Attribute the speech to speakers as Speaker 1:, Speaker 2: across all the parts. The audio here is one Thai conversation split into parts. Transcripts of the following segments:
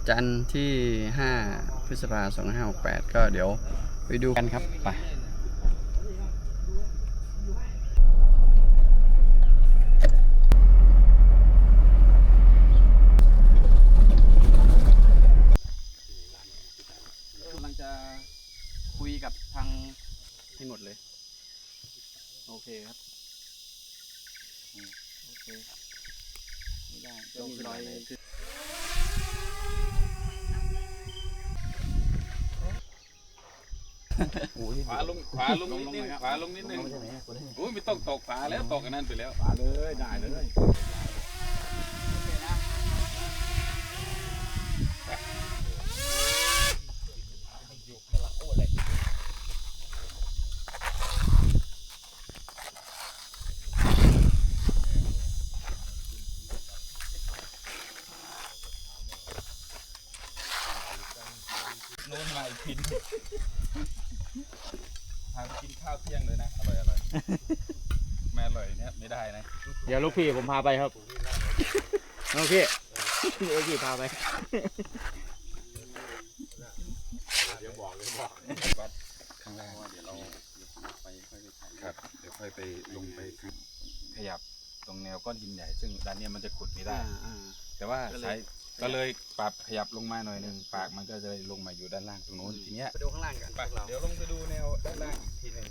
Speaker 1: จันทร์ที่5 พฤษภาคม 2568ก็เดี๋ยวไปดูกันครับไปกำลังจะคุยกับทางให้หมดเลยโอเคครับโอเคไม่ได้ก็มีรอย
Speaker 2: ขวาลงนิดนึงขวาลงนิดนึงโอ้ยไม่ต้องตกฝาแล้วตกกันนั่นไปแล้วฝาเลยได้เลยโน่นมาอีกพินพาไปกินข้าวเที่ยงเลยนะอร่อยแม่อร่อยเนี่ยไม่ได้นะ
Speaker 3: เดี๋ยวลูกพี่ผมพาไปครับลูกพี่พาไป
Speaker 2: เดี๋ยวบอกวัดข้างล่างเดี๋ยวเราไปค่อยไปครับเดี๋ยวค่อยไปลงไปขยับตรงแนวก้อนหินใหญ่ซึ่งด้านนี้มันจะขุดไม่ได้แต่ว่าใช้ก็เลยปรับขยับลงมาหน่อยนึงปากมันก็จะลงมาอยู่ด้านล่างตรงโน้นทีเนี้ย
Speaker 1: ไปดูข้างล่างกัน
Speaker 2: เดี๋ยวลงไปดูแนวด้านล่างอีกทีนึง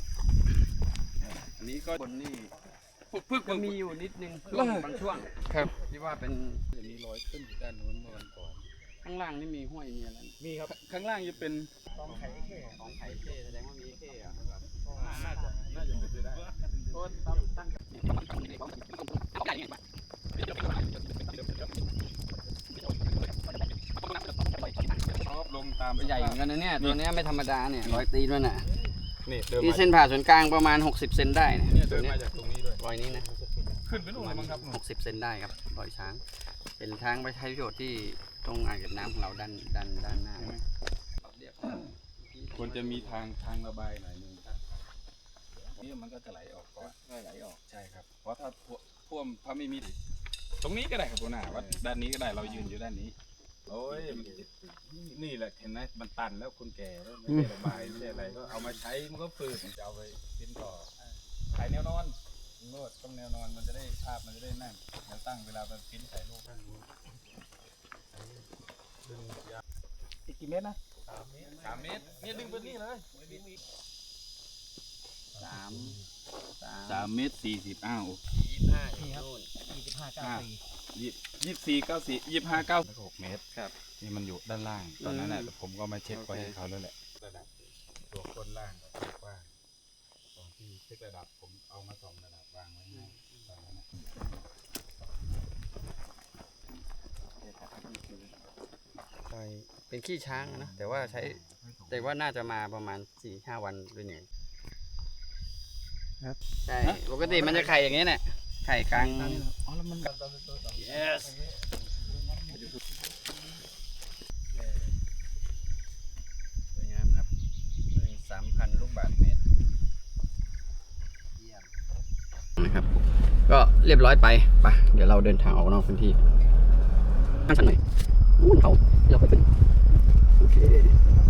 Speaker 2: อันนี้ก็
Speaker 1: บนนี่
Speaker 2: พึ่ง
Speaker 1: ก็มีอยู่นิดนึงบางช่วง
Speaker 2: ครับ
Speaker 1: ที่ว่าเป็น
Speaker 2: จะมีรอยขึ้นอยู่ด้านโน้นเมื่อวันก่อน
Speaker 1: ข้างล่างนี่มีห้วยมีอะไร
Speaker 2: มีครับข้างล่างจะเป็น
Speaker 1: ของไข่เท่แสดงว่ามีเท่อะ
Speaker 2: น่าจะเป็นได้เพราะตั้งลงตาม
Speaker 1: ใหญ่เหมือนกันนะเนี่ยตัวนี้ไม่ธรรมดาเนี่ยรอยตีนมันอ่ะ
Speaker 2: นี่
Speaker 1: เส้นผ่าศูนย์กลางประมาณ60 เซนได้
Speaker 2: เนี่ยเดินมาจากตรงนี้ด้วย
Speaker 1: รอยนี้นะ
Speaker 2: ขึ้นไปนู่นเลยมั้งครับ
Speaker 1: 60 เซนได้ครับรอยช้างเป็นช้างไปใช้ประโยชน์ที่ตรงอ่างเก็บน้ำของเราด้านหน้า
Speaker 2: ควรจะมีทางระบายหน่อยนึงนี่มันก็จะไหลออกก่อน
Speaker 1: ไหลออก
Speaker 2: ใช่ครับเพราะถ้าท่วมถ้าไม่มีตรงนี้ก็ได้ครับตัวหน้าวัดด้านนี้ก็ได้เรายืนอยู่ด้านนี้โอ้ยนี่แหละเห็นไหมมันตันแล้วคนแก่แล้วไม่ได้ระบายไม่ได้อะไรก็เอามาใช้มันก็ฝืดจะเอาไปทิ้งต่อขายแนวนอนโน้ตต้องแนวนอนมันจะได้ภาพมันจะได้นั่งแล้วตั้งเวลาไปพิมพ์ใส่รูป
Speaker 3: อีกกี่เมตรนะ
Speaker 2: 3 เมตรเนี่ยดึงไปนี่เลย3 เมตร 40อ้าว25 เมตรครับนี่มันอยู่ด้านล่างตอนนั้นแหละผมก็มาเช็คไว้ให้เขาแล้วแหละระดับตัวก้นล่างกับกว้างตอนที่เช็คระดับผมเอามา2 ระดับวางไว้ให้ตอนนั้น
Speaker 1: เป็นขี้ช้างนะแต่ว่าน่าจะมาประมาณ 4-5 วันด้วยเนี่ยใช่ปกติมันจะไข่อย่างนี้เนี่ยไข่กลาง
Speaker 3: อ๋อแล้วมัน
Speaker 1: yes สวยงามครับ 3,000 ลูกบาศก์เมตรนะครับก็เรียบร้อยไปเดี๋ยวเราเดินทางออกนอกพื้นที่ข้างชั้นหน่อยเขาเราไปเป็นโอเค